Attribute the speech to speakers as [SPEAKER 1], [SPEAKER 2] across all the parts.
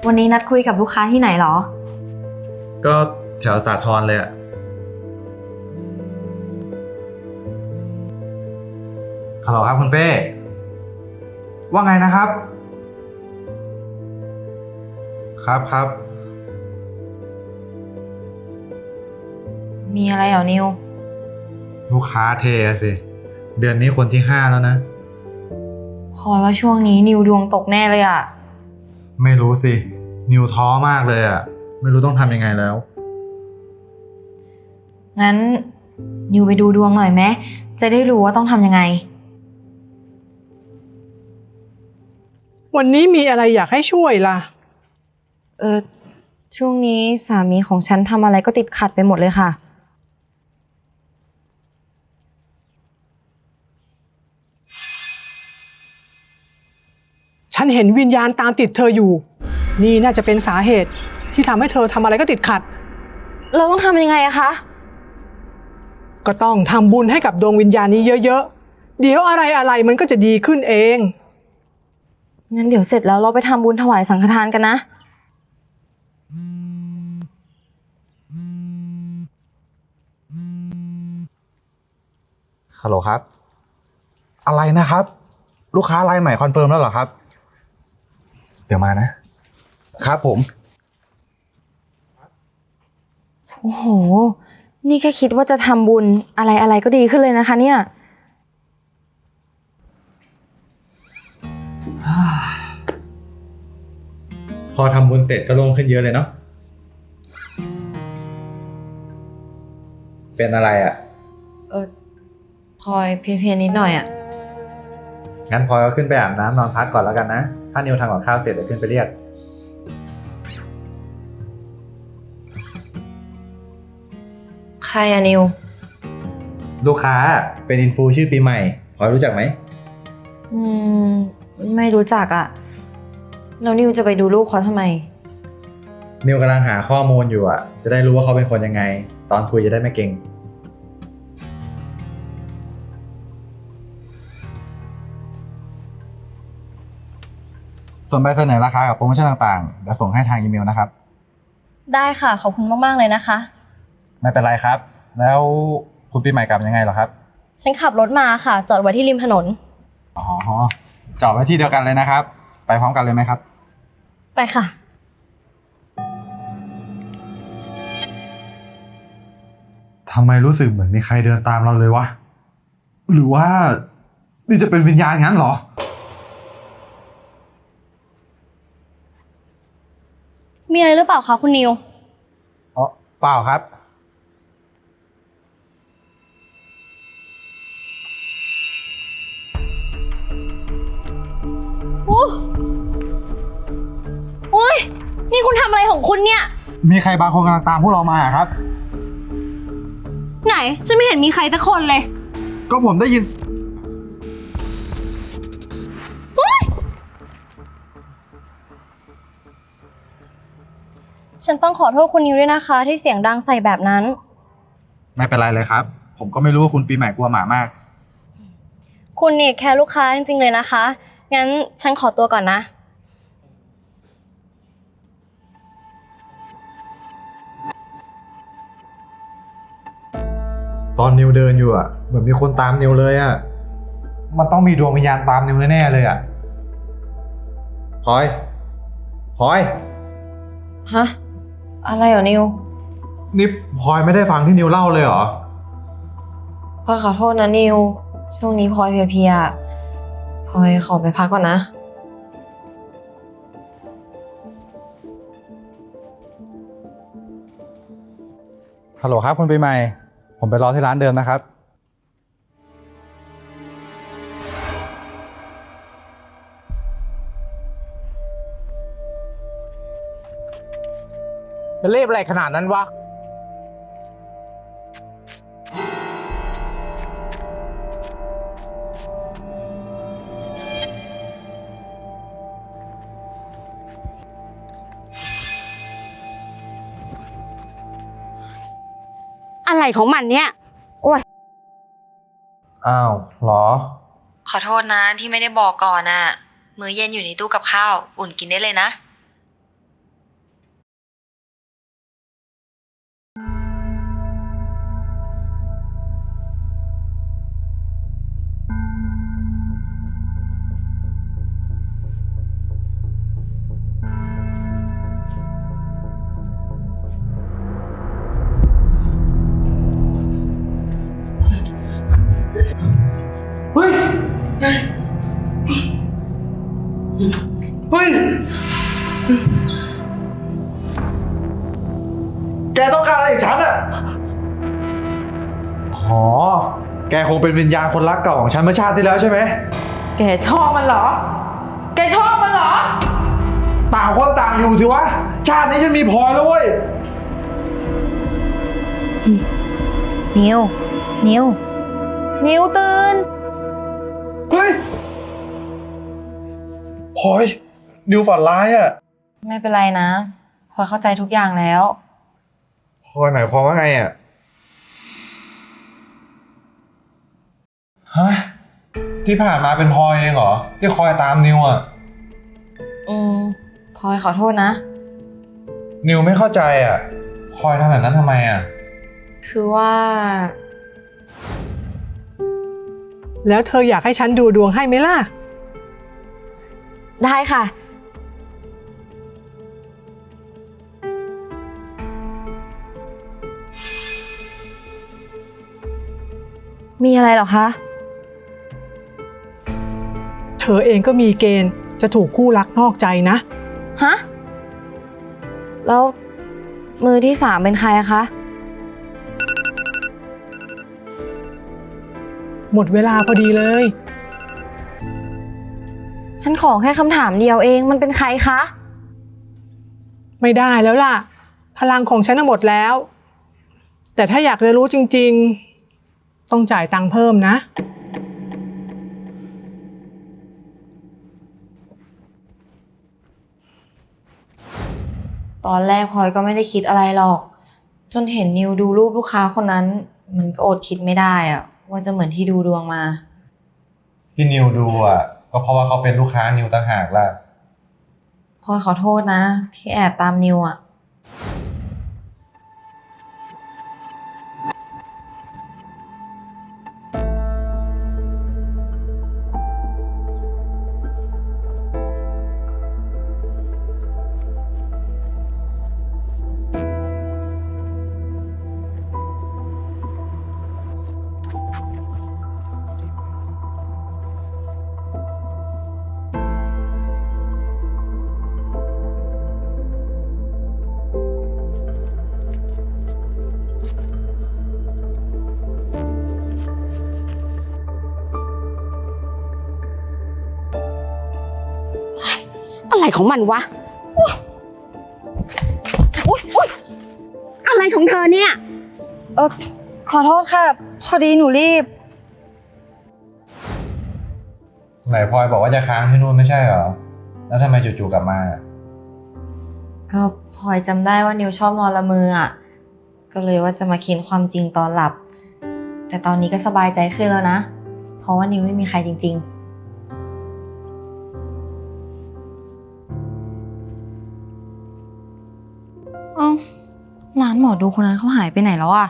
[SPEAKER 1] วันนี้นัดคุยกับลูกค้าที่ไหนเหรอ
[SPEAKER 2] ก็แถวสาทรเลยอะฮัลโหลครับคุณเป้ว่าไงนะครับครับ
[SPEAKER 1] มีอะไรเหรอนิว
[SPEAKER 2] ลูกค้าเทสิเดือนนี้คนที่5แล้วนะ
[SPEAKER 1] พลอยว่าช่วงนี้นิวดวงตกแน่เลยอะ
[SPEAKER 2] ไม่รู้สินิวท้อมากเลยอะไม่รู้ต้องทำยังไงแล้ว
[SPEAKER 1] งั้นนิวไปดูดวงหน่อยไหมจะได้รู้ว่าต้องทำยังไง
[SPEAKER 3] วันนี้มีอะไรอยากให้ช่วยล่ะ
[SPEAKER 1] ช่วงนี้สามีของฉันทำอะไรก็ติดขัดไปหมดเลยค่ะ
[SPEAKER 3] ฉันเห็นวิญญาณตามติดเธออยู่นี่น่าจะเป็นสาเหตุที่ทำให้เธอทำอะไรก็ติดขัด
[SPEAKER 1] เราต้องทำยังไงอะคะ
[SPEAKER 3] ก็ต้องทำบุญให้กับดวงวิญญาณนี้เยอะๆเดี๋ยวอะไรมันก็จะดีขึ้นเอง
[SPEAKER 1] งั้นเดี๋ยวเสร็จแล้วเราไปทำบุญถวายสังฆทานกันนะ
[SPEAKER 2] ฮัลโหลครับอะไรนะครับลูกค้ารายใหม่คอนเฟิร์มแล้วเหรอครับเดี๋ยวมานะครับผม
[SPEAKER 1] โอ้โหนี่แค่คิดว่าจะทำบุญอะไรก็ดีขึ้นเลยนะคะเนี่ย
[SPEAKER 2] พอทำบุญเสร็จก็โล่งขึ้นเยอะเลยเนาะเป็นอะไรอ่ะ
[SPEAKER 1] พลอยเพลียๆนิดหน่อยอะ
[SPEAKER 2] งั้นพลอยก็ขึ้นไปอาบน้ำนอนพักก่อนแล้วกันนะถ้านิวทำกับข้าวเสร็จเดี๋ยวขึ้นไปเรียก
[SPEAKER 1] ใครอะนิว
[SPEAKER 2] ลูกค้าเป็นอินฟูชื่อปีใหม่พลอยรู้จักไหม
[SPEAKER 1] มไม่รู้จักอะแล้วนิวจะไปดูลูกเขาทำไม
[SPEAKER 2] นิวกำลังหาข้อมูลอยู่อ่ะจะได้รู้ว่าเขาเป็นคนยังไงตอนคุยจะได้ไม่เก่งส่วนใบเสนอราคากับโปรโมชั่นต่างๆเดี๋ยวส่งให้ทางอีเมลนะครับ
[SPEAKER 1] ได้ค่ะขอบคุณมากๆเลยนะคะ
[SPEAKER 2] ไม่เป็นไรครับแล้วคุณปีใหม่กลับยังไงเหรอครับ
[SPEAKER 1] ฉันขับรถมาค่ะจอดไว้ที่ริมถนน
[SPEAKER 2] อ๋อจอดไว้ที่เดียวกันเลยนะครับไปพร้อมกันเลยไหมครับ
[SPEAKER 1] ไปค่ะ
[SPEAKER 2] ทำไมรู้สึกเหมือนมีใครเดินตามเราเลยวะหรือว่านี่จะเป็นวิญญาณงั้นเหรอ
[SPEAKER 1] มีอะไรหรือเปล่าคะคุณนิว
[SPEAKER 2] อ๋อเปล่าครับ
[SPEAKER 1] โอ๊ยนี่คุณทำอะไรของคุณเนี่ย
[SPEAKER 2] มีใครบางคนกำลังตามพวกเรามาครับ
[SPEAKER 1] ไหนฉันไม่เห็นมีใครสักคนเลย
[SPEAKER 2] ก็ผมได้ยิน
[SPEAKER 1] ฉันต้องขอโทษคุณนิวด้วยนะคะที่เสียงดังใส่แบบนั้น
[SPEAKER 2] ไม่เป็นไรเลยครับผมก็ไม่รู้ว่าคุณปีใหม่กลัวหมามาก
[SPEAKER 1] คุณเนี่ยแค่ลูกค้าจริงๆเลยนะคะงั้นฉันขอตัวก่อนนะ
[SPEAKER 2] ตอนนิวเดินอยู่อ่ะเหมือนมีคนตามนิวเลยอ่ะมันต้องมีดวงวิญญาณตามนิวแน่ๆเลยอ่ะพลอย
[SPEAKER 1] ฮะอะไรเหรอนิว
[SPEAKER 2] นี่พลอยไม่ได้ฟังที่นิวเล่าเลยเหรอ
[SPEAKER 1] พลอยขอโทษนะนิวช่วงนี้พลอยเพลียๆพลอยขอไปพักก่อนนะ
[SPEAKER 2] ฮัลโหลครับคุณปีใหม่ผมไปรอที่ร้านเดิมนะครับ
[SPEAKER 4] จะเรียบอะไรขนาดนั้นวะ
[SPEAKER 5] อะไรของมันเนี่ยโอ้ย
[SPEAKER 2] อ้าวเหรอ
[SPEAKER 1] ขอโทษนะที่ไม่ได้บอกก่อนน่ะมื้อเย็นอยู่ในตู้กับข้าวอุ่นกินได้เลยนะ
[SPEAKER 2] แกคงเป็นวิญญาณคนรักเก่าของฉันเมื่อชาติที่แล้วใช่ไหม
[SPEAKER 1] แกชอบมันเหรอ แกชอบมันเหรอ
[SPEAKER 2] ต่างคนต่างอยู่สิวะ ชาตินี้ฉันมีพลอยแล้วเว้ย
[SPEAKER 1] นิว นิว นิวตื่น
[SPEAKER 2] เฮ้ยพลอย นิวฝันร้ายอ่ะ
[SPEAKER 1] ไม่เป็นไรนะพลอยเข้าใจทุกอย่างแล้ว
[SPEAKER 2] พลอยหมายความว่าไงอ่ะ ฮะ ที่ผ่านมาเป็นพลอยเองเหรอ ที่คอยตามนิวอ่ะ
[SPEAKER 1] พลอยขอโทษนะ
[SPEAKER 2] นิวไม่เข้าใจอ่ะพลอยทำแบบนั้นทำไมอ่ะ
[SPEAKER 1] คือว่า
[SPEAKER 3] แล้วเธออยากให้ฉันดูดวงให้ไหมล่ะ
[SPEAKER 1] ได้ค่ะ มีอะไรเหรอคะ
[SPEAKER 3] เธอเองก็มีเกณฑ์จะถูกคู่รักนอกใจนะ
[SPEAKER 1] ฮะ แล้วมือที่สามเป็นใครอะคะ
[SPEAKER 3] หมดเวลาพอดีเลย
[SPEAKER 1] ฉันขอแค่คำถามเดียวเองมันเป็นใครคะ
[SPEAKER 3] ไม่ได้แล้วล่ะ พลังของฉันน่ะหมดแล้ว แต่ถ้าอยากเรียนรู้จริงๆ ต้องจ่ายตังค์เพิ่มนะ
[SPEAKER 1] ตอนแรกพลอยก็ไม่ได้คิดอะไรหรอก จนเห็นนิวดูรูปลูกค้าคนนั้น มันก็อดคิดไม่ได้อะว่าจะเหมือนที่ดูดวงมา
[SPEAKER 2] ที่นิวดูอ่ะ ก็เพราะว่าเขาเป็นลูกค้านิวต่างหากล่ะ
[SPEAKER 1] พลอยขอโทษนะ ที่แอบตามนิวอะ
[SPEAKER 5] อะไรของมันวะอุ๊ยอะไรของเธอเนี่ย
[SPEAKER 1] ขอโทษค่ะ พอดีหนูรีบ
[SPEAKER 2] ไหนพลอยบอกว่าจะค้างที่นู่นไม่ใช่เหรอ แล้วทำไมจู่ๆกลับมา
[SPEAKER 1] ก็พลอยจำได้ว่านิวชอบนอนละเมออะก็เลยว่าจะมาเค้นความจริงตอนหลับ แต่ตอนนี้ก็สบายใจขึ้นแล้วนะ เพราะว่านิวไม่มีใครจริง ๆ เอ้าร้านหมอดูคนนั้นเขาหายไปไหนแล้วอะ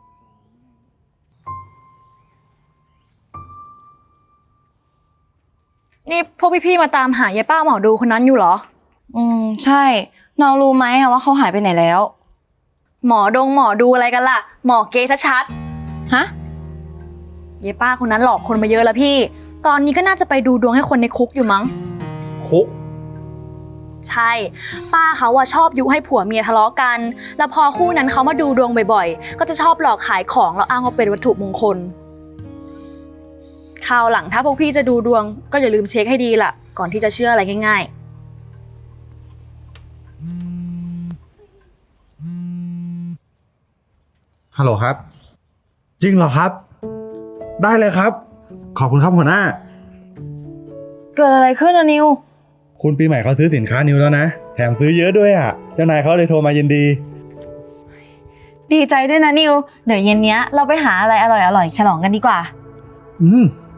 [SPEAKER 4] นี่พวกพี่ๆมาตามหายายป้าหมอดูคนนั้นอยู่เหรอ
[SPEAKER 1] ใช่ น้องรู้ไหมอะว่าเขาหายไปไหนแล้ว
[SPEAKER 4] หมอดูอะไรกันล่ะ หมอเก๊ชัด
[SPEAKER 1] ฮะ
[SPEAKER 4] ๆยายป้าคนนั้นหลอกคนมาเยอะแล้วพี่ ตอนนี้ก็น่าจะไปดูดวงให้คนในคุกอยู่มั้ง
[SPEAKER 2] คุก
[SPEAKER 4] ใช่ ป้าเขาชอบยุให้ผัวเมียทะเลาะกัน แล้วพอคู่นั้นเขามาดูดวงบ่อยๆ ก็จะชอบหลอกขายของแล้วอ้างว่าเป็นวัตถุมงคล คราวหลังถ้าพวกพี่จะดูดวงก็อย่าลืมเช็คให้ดีล่ะ ก่อนที่จะเชื่ออะไรง่ายๆ
[SPEAKER 2] ฮัลโหลครับ จริงเหรอครับ ได้เลยครับ ขอบคุณครับหัวหน้า
[SPEAKER 1] เกิดอะไรขึ้นอะนิว
[SPEAKER 2] คุณปีใหม่เขาซื้อสินค้านิวแล้วนะ แถมซื้อเยอะด้วยอ่ะ เจ้านายเขาเลยโทรมายินดี
[SPEAKER 1] ดีใจด้วยนะนิว เดี๋ยวเย็นเนี้ยเราไปหาอะไรอร่อยๆฉลองกันดีกว่า
[SPEAKER 2] อืม